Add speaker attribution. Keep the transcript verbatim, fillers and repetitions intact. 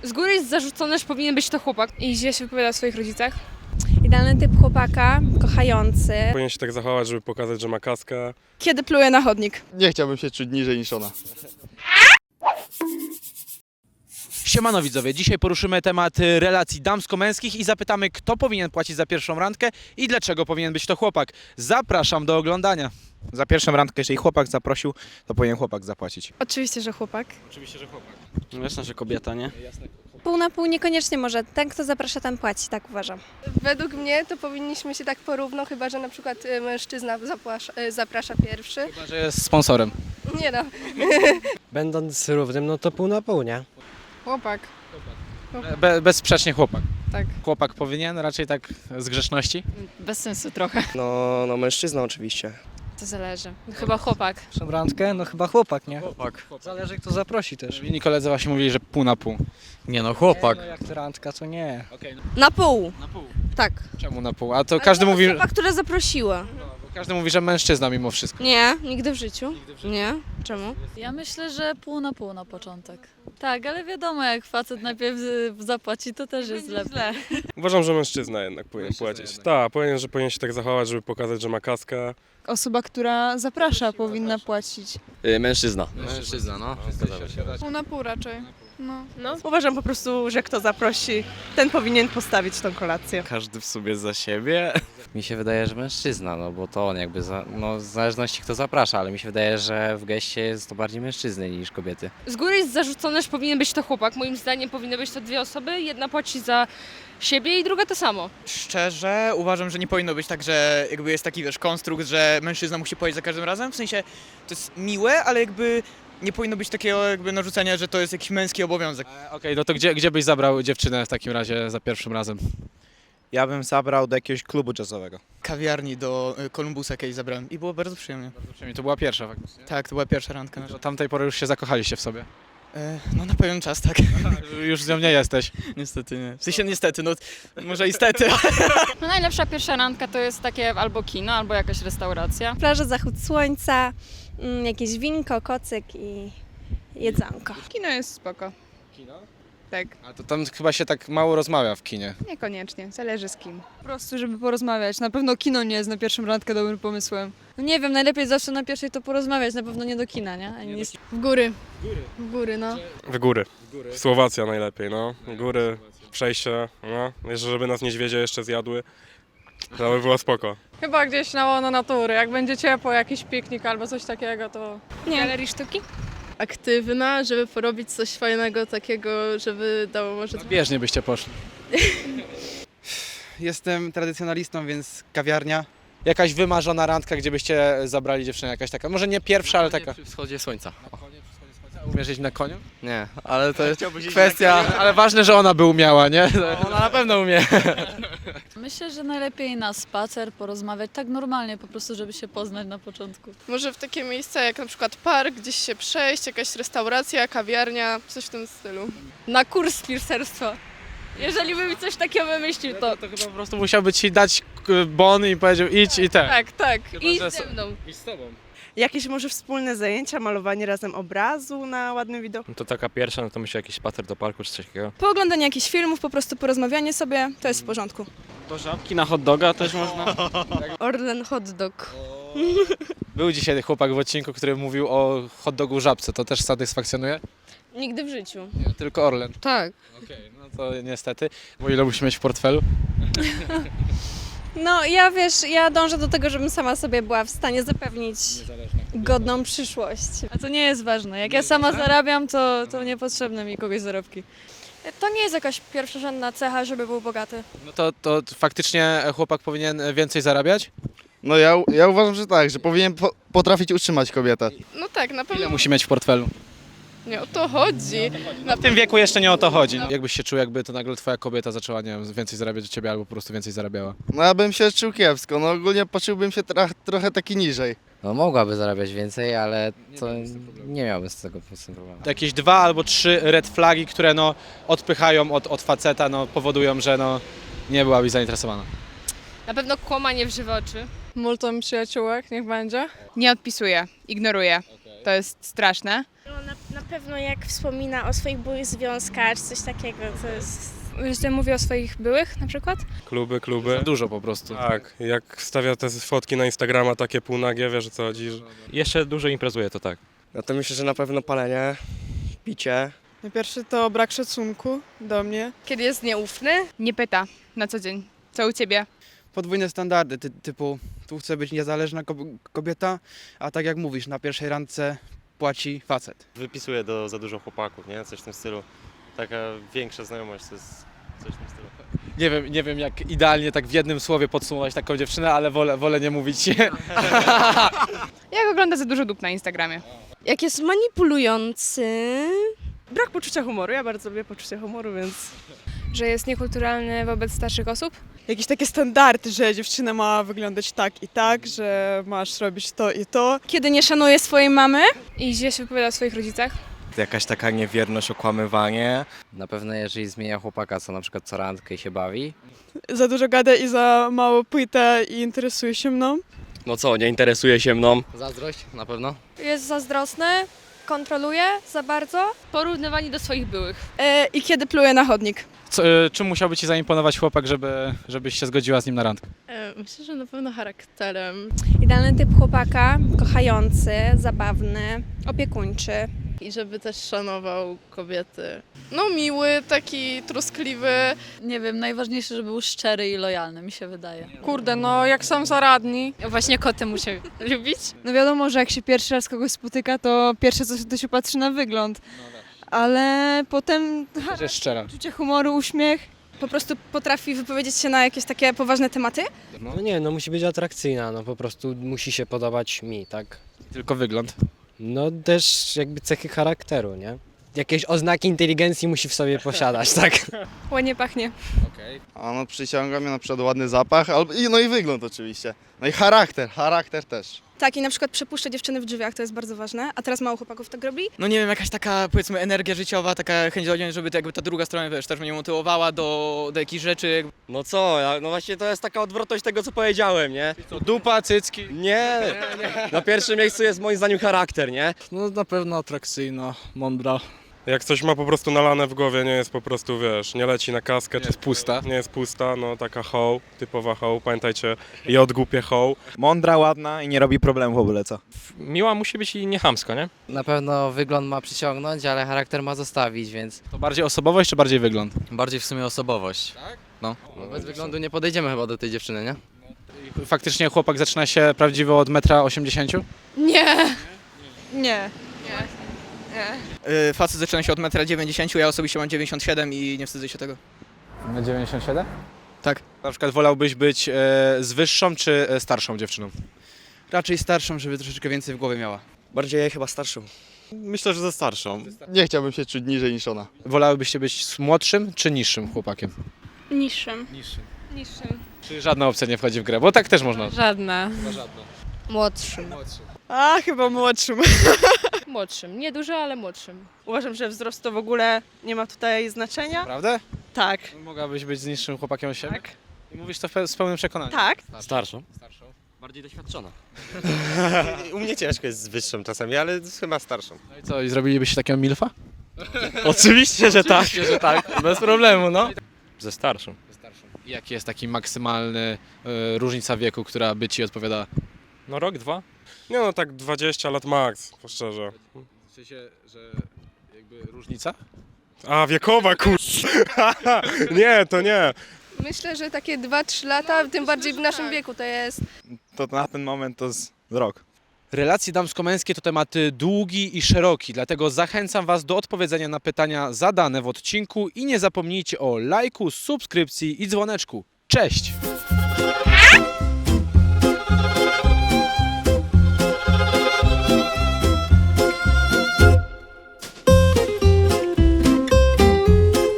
Speaker 1: Z góry jest zarzucone, że powinien być to chłopak.
Speaker 2: I źle się wypowiada o swoich rodzicach.
Speaker 3: Idealny typ chłopaka, kochający.
Speaker 4: Powinien się tak zachować, żeby pokazać, że ma kaskę.
Speaker 2: Kiedy pluje na chodnik.
Speaker 5: Nie chciałbym się czuć niżej niż ona.
Speaker 6: Siemano widzowie, dzisiaj poruszymy temat y, relacji damsko-męskich i zapytamy, kto powinien płacić za pierwszą randkę i dlaczego powinien być to chłopak. Zapraszam do oglądania. Za pierwszą randkę, jeżeli chłopak zaprosił, to powinien chłopak zapłacić.
Speaker 2: Oczywiście, że chłopak.
Speaker 6: Oczywiście, że chłopak.
Speaker 7: No jasne, że kobieta, nie?
Speaker 3: Pół na pół niekoniecznie może. Ten, kto zaprasza, ten płaci, tak uważam.
Speaker 8: Według mnie to powinniśmy się tak porówno, chyba że na przykład y, mężczyzna zapłasza, y, zaprasza pierwszy.
Speaker 6: Chyba, że jest sponsorem.
Speaker 8: Nie no.
Speaker 7: Będąc równym, no to pół na pół, nie?
Speaker 2: Chłopak.
Speaker 6: Be, bezsprzecznie chłopak.
Speaker 2: Tak.
Speaker 6: Chłopak powinien, raczej tak z grzeczności.
Speaker 1: Bez sensu trochę.
Speaker 7: No, no mężczyzna oczywiście.
Speaker 1: To zależy. Chyba chłopak.
Speaker 9: Pierwszą randkę? No chyba chłopak, nie?
Speaker 7: Chłopak.
Speaker 9: Zależy kto zaprosi też.
Speaker 6: Inni koledzy właśnie mówili, że pół na pół.
Speaker 7: Nie no, chłopak.
Speaker 9: No jak to randka, to nie.
Speaker 6: Okay, no.
Speaker 3: Na pół.
Speaker 6: Na pół.
Speaker 3: Tak.
Speaker 6: Czemu na pół? A to każdy mówi,
Speaker 3: Osoba, która zaprosiła.
Speaker 6: każdy mówi, że mężczyzna mimo wszystko.
Speaker 3: Nie, nigdy w życiu. Nie. Czemu?
Speaker 10: Ja myślę, że pół na pół na początek. Tak, ale wiadomo, jak facet najpierw y, zapłaci, to też jest lepiej.
Speaker 4: Uważam, że mężczyzna jednak powinien
Speaker 6: Mężczyzna
Speaker 4: płacić.
Speaker 6: jednak.
Speaker 4: Tak, powinien, że powinien się tak zachować, żeby pokazać, że ma kaskę.
Speaker 2: Osoba, która zaprasza, powinna płacić.
Speaker 7: Yy, mężczyzna.
Speaker 5: Mężczyzna, no.
Speaker 2: Pół na pół raczej. No.
Speaker 11: No, uważam po prostu, że kto zaprosi, ten powinien postawić tą kolację.
Speaker 7: Każdy w sobie za siebie.
Speaker 12: Mi się wydaje, że mężczyzna, no bo to on jakby, za, no w zależności kto zaprasza, ale mi się wydaje, że w geście jest to bardziej mężczyzny niż kobiety.
Speaker 1: Z góry jest zarzucone, że powinien być to chłopak. Moim zdaniem powinny być to dwie osoby. Jedna płaci za siebie i druga to samo.
Speaker 13: Szczerze uważam, że nie powinno być tak, że jakby jest taki, wiesz, konstrukt, że mężczyzna musi płacić za każdym razem. W sensie to jest miłe, ale jakby nie powinno być takiego jakby narzucenia, że to jest jakiś męski obowiązek.
Speaker 6: E, Okej, no to gdzie, gdzie byś zabrał dziewczynę w takim razie za pierwszym razem?
Speaker 5: Ja bym zabrał do jakiegoś klubu jazzowego.
Speaker 13: Kawiarni do y, Kolumbusa kiedyś zabrałem i było bardzo przyjemnie.
Speaker 6: Przynajmniej to była pierwsza faktycznie.
Speaker 13: Tak, to była pierwsza randka nasza.
Speaker 6: Do tamtej pory już się zakochaliście w sobie.
Speaker 13: E, no na pewien czas, tak.
Speaker 6: Już z nią nie jesteś.
Speaker 13: Niestety nie. W sensie niestety, no może istety.
Speaker 10: No najlepsza pierwsza randka to jest takie albo kino, albo jakaś restauracja.
Speaker 3: Plaża, zachód słońca, mm, jakieś winko, kocyk i jedzonko.
Speaker 2: Kino jest spoko.
Speaker 6: Kino?
Speaker 2: Tak.
Speaker 6: A to tam chyba się tak mało rozmawia w kinie.
Speaker 2: Niekoniecznie, zależy z kim. Po prostu, żeby porozmawiać. Na pewno kino nie jest na pierwszą randkę dobrym pomysłem.
Speaker 10: No nie wiem, najlepiej zawsze na pierwszej to porozmawiać, na pewno nie do kina, nie? Ani nie...
Speaker 2: W góry. W góry, no.
Speaker 4: W góry. Słowacja najlepiej, no. Góry, przejście, no. Jeszcze żeby nas niedźwiedzie jeszcze zjadły. To by było spoko.
Speaker 2: Chyba gdzieś na łono natury. Jak będzie ciepło, jakiś piknik albo coś takiego, to...
Speaker 3: Nie.
Speaker 2: Galerii sztuki?
Speaker 8: Aktywna, żeby porobić coś fajnego takiego, żeby dało może...
Speaker 6: Bieżnie byście poszli.
Speaker 5: Jestem tradycjonalistą, więc kawiarnia.
Speaker 6: Jakaś wymarzona randka, gdzie byście zabrali dziewczynę, jakaś taka, może nie pierwsza, ale taka.
Speaker 12: Przy wschodzie słońca.
Speaker 6: Umiesz jeździć na koniu?
Speaker 12: Nie, ale to jest kwestia...
Speaker 6: Ale ważne, że ona by umiała, nie?
Speaker 12: Ona na pewno umie.
Speaker 10: Myślę, że najlepiej na spacer, porozmawiać, tak normalnie po prostu, żeby się poznać na początku.
Speaker 8: Może w takie miejsca jak na przykład park, gdzieś się przejść, jakaś restauracja, kawiarnia, coś w tym stylu.
Speaker 1: Na kurs piercerstwa. Jeżeli by mi coś takiego wymyślił, to...
Speaker 6: To chyba po prostu musiałby ci dać k- bon i powiedział idź i ten.
Speaker 1: Tak, tak.
Speaker 6: Chyba,
Speaker 1: I
Speaker 6: że
Speaker 1: ze mną.
Speaker 6: Idź z tobą.
Speaker 11: Jakieś może wspólne zajęcia, malowanie razem obrazu na ładnym widoku.
Speaker 7: No to taka pierwsza, no to myślę jakiś spacer do parku czy coś takiego.
Speaker 2: Pooglądanie jakichś filmów, po prostu porozmawianie sobie, to jest w porządku.
Speaker 7: Do żabki na hot doga też można.
Speaker 3: Orlen hot dog.
Speaker 6: Był dzisiaj chłopak w odcinku, który mówił o hot dogu żabce. To też satysfakcjonuje?
Speaker 1: Nigdy w życiu.
Speaker 6: Nie, tylko Orlen.
Speaker 1: Tak.
Speaker 6: Okej, no to niestety. Bo ile musi mieć w portfelu?
Speaker 3: No ja wiesz, ja dążę do tego, żebym sama sobie była w stanie zapewnić godną przyszłość.
Speaker 10: A to nie jest ważne. Jak ja sama zarabiam, to, to niepotrzebne mi kogoś zarobki.
Speaker 2: To nie jest jakaś pierwszorzędna cecha, żeby był bogaty.
Speaker 6: No to, to faktycznie chłopak powinien więcej zarabiać?
Speaker 5: No ja, ja uważam, że tak, że powinien po, potrafić utrzymać kobietę.
Speaker 8: No tak, na
Speaker 6: Ile
Speaker 8: pewno
Speaker 6: musi mieć w portfelu?
Speaker 8: nie o to chodzi.
Speaker 6: W tym wieku jeszcze nie o to chodzi. No. Jakbyś się czuł, jakby to nagle twoja kobieta zaczęła, nie wiem, więcej zarabiać od ciebie albo po prostu więcej zarabiała?
Speaker 5: No ja bym się czuł kiepsko, no ogólnie poczułbym się tra- trochę taki niżej.
Speaker 12: No mogłaby zarabiać więcej, ale to nie miałbym z tego po prostu problemu.
Speaker 6: Jakieś dwa albo trzy red flagi, które no odpychają od, od faceta, no powodują, że no nie byłabyś zainteresowana.
Speaker 1: Na pewno kłamanie w żywe oczy.
Speaker 2: Multum przyjaciółek, niech będzie. Nie odpisuję, ignoruję. To jest straszne.
Speaker 3: No, na, Na pewno jak wspomina o swoich byłych związkach, czy coś takiego, to jest...
Speaker 1: Że mówi o swoich byłych na przykład?
Speaker 4: Kluby, kluby.
Speaker 6: Za dużo po prostu.
Speaker 4: Tak, jak wstawia te fotki na Instagrama takie półnagie, wiesz o co chodzi. że-
Speaker 7: Jeszcze dużo imprezuje, to tak.
Speaker 5: No to myślę, że na pewno palenie, picie.
Speaker 11: Pierwszy to brak szacunku do mnie.
Speaker 1: Kiedy jest nieufny? Nie pyta na co dzień. Co u ciebie?
Speaker 13: Podwójne standardy, ty, typu tu chce być niezależna kobieta, a tak jak mówisz, na pierwszej randce płaci facet.
Speaker 7: Wypisuje do za dużo chłopaków, nie? Coś w tym stylu. Taka większa znajomość, to jest coś w tym stylu.
Speaker 6: Nie wiem, nie wiem jak idealnie tak w jednym słowie podsumować taką dziewczynę, ale wolę, wolę nie mówić.
Speaker 1: Jak ogląda za dużo dup na Instagramie?
Speaker 3: Jak jest manipulujący...
Speaker 11: Brak poczucia humoru, ja bardzo lubię poczucie humoru, więc...
Speaker 1: Że jest niekulturalny wobec starszych osób?
Speaker 11: Jakieś takie standardy, że dziewczyna ma wyglądać tak i tak, że masz robić to i to.
Speaker 3: Kiedy nie szanuje swojej mamy?
Speaker 1: I źle się wypowiada o swoich rodzicach?
Speaker 5: Jakaś taka niewierność, okłamywanie.
Speaker 12: Na pewno jeżeli zmienia chłopaka, co na przykład co randkę i się bawi.
Speaker 11: Za dużo gada i za mało pyta i interesuje się mną.
Speaker 7: No co, nie interesuje się mną?
Speaker 12: Zazdrość na pewno.
Speaker 3: Jest zazdrosny, kontroluje za bardzo.
Speaker 1: Porównywanie do swoich byłych.
Speaker 11: E, I kiedy pluje na chodnik.
Speaker 6: Co, y, czym musiałby ci zaimponować chłopak, żeby, żebyś się zgodziła z nim na randkę?
Speaker 8: Myślę, że na pewno charakterem.
Speaker 3: Idealny typ chłopaka, kochający, zabawny, opiekuńczy.
Speaker 8: I żeby też szanował kobiety. No miły, taki troskliwy.
Speaker 10: Nie wiem, najważniejsze, żeby był szczery i lojalny, mi się wydaje.
Speaker 2: Kurde, no jak sam zaradni.
Speaker 1: Właśnie koty muszę lubić.
Speaker 2: No wiadomo, że jak się pierwszy raz kogoś spotyka, to pierwsze co się, to się patrzy na wygląd. Ale potem
Speaker 6: Że jest szczera.
Speaker 2: poczucie humoru, uśmiech.
Speaker 3: Po prostu potrafi wypowiedzieć się na jakieś takie poważne tematy.
Speaker 7: No nie, no musi być atrakcyjna, no po prostu musi się podobać mi, tak?
Speaker 6: Tylko wygląd.
Speaker 7: No też jakby cechy charakteru, nie? Jakieś oznaki inteligencji musi w sobie posiadać, tak?
Speaker 1: Ładnie pachnie.
Speaker 5: A no przyciąga mnie na przykład ładny zapach, albo, i, no i wygląd oczywiście. No i charakter, charakter też.
Speaker 3: Tak, i na przykład przepuszcza dziewczyny w drzwiach, to jest bardzo ważne. A teraz mało chłopaków tak robi.
Speaker 13: No nie wiem, jakaś taka powiedzmy energia życiowa, taka chęć do żeby to jakby ta druga strona wiesz, też mnie motywowała do, do jakichś rzeczy.
Speaker 7: No co, no właśnie to jest taka odwrotność tego, co powiedziałem, nie?
Speaker 6: Co, dupa, cycki?
Speaker 7: Nie, na pierwszym miejscu jest moim zdaniem charakter, nie?
Speaker 9: No na pewno atrakcyjna, mądra.
Speaker 4: Jak coś ma po prostu nalane w głowie, nie jest po prostu, wiesz, nie leci na kaskę.
Speaker 6: Jest pusta.
Speaker 4: Nie jest pusta, no taka hoł, typowa hoł, pamiętajcie, i odgłupie hoł.
Speaker 5: Mądra, ładna i nie robi problemu w ogóle, co?
Speaker 7: Miła musi być i nie chamska, nie?
Speaker 12: Na pewno wygląd ma przyciągnąć, ale charakter ma zostawić, więc
Speaker 6: To bardziej osobowość czy bardziej wygląd?
Speaker 12: bardziej w sumie osobowość. Tak? No. no bez wyglądu nie podejdziemy chyba do tej dziewczyny, nie?
Speaker 6: I faktycznie chłopak zaczyna się prawdziwo od metra osiemdziesięciu?
Speaker 1: Nie.
Speaker 2: Nie.
Speaker 13: Yy, facet zaczyna się od metra dziewięćdziesięciu, ja osobiście mam dziewięćdziesiąt siedem i nie wstydzę się tego.
Speaker 6: Na dziewięćdziesiąt siedem?
Speaker 13: Tak.
Speaker 6: Na przykład wolałbyś być e, z wyższą czy e, starszą dziewczyną?
Speaker 13: Raczej starszą, żeby troszeczkę więcej w głowie miała.
Speaker 5: Bardziej chyba starszą.
Speaker 7: Myślę, że ze starszą.
Speaker 5: Nie chciałbym się czuć niżej niż ona.
Speaker 6: Wolałbyście być z młodszym czy niższym chłopakiem?
Speaker 3: Niższym.
Speaker 6: Niższym.
Speaker 1: Niższym.
Speaker 6: Czy żadna opcja nie wchodzi w grę? Bo tak też można.
Speaker 1: Żadna.
Speaker 6: Żadna.
Speaker 1: Młodszym.
Speaker 11: A, chyba młodszym.
Speaker 1: Młodszym. Nie dużo, ale młodszym.
Speaker 11: Uważam, że wzrost to w ogóle nie ma tutaj znaczenia.
Speaker 6: Prawda?
Speaker 11: Tak.
Speaker 6: Mogłabyś być z niższym chłopakiem od siebie?
Speaker 11: Tak.
Speaker 6: I mówisz to w pe- z pełnym przekonaniem?
Speaker 11: Tak.
Speaker 7: Starszą.
Speaker 6: Starszą.
Speaker 7: Bardziej doświadczona. U mnie ciężko jest z wyższą czasami, ale chyba starszą.
Speaker 6: No i co, i zrobilibyście takiego milfa?
Speaker 7: Oczywiście, że tak.
Speaker 6: Oczywiście, że tak. Bez problemu, no.
Speaker 7: Ze starszą.
Speaker 6: I jaki jest taki maksymalny y, różnica wieku, która by ci odpowiadała?
Speaker 7: No rok, dwa?
Speaker 4: Nie no, tak dwadzieścia lat max, po szczerze.
Speaker 6: W sensie, że jakby różnica?
Speaker 4: A, wiekowa, kur... Nie, to nie.
Speaker 1: Myślę, że takie dwa trzy lata, tym bardziej w naszym wieku to jest.
Speaker 5: To na ten moment to z rok.
Speaker 6: Relacje damsko-męskie to temat długi i szeroki, dlatego zachęcam Was do odpowiedzenia na pytania zadane w odcinku i nie zapomnijcie o lajku, subskrypcji i dzwoneczku. Cześć!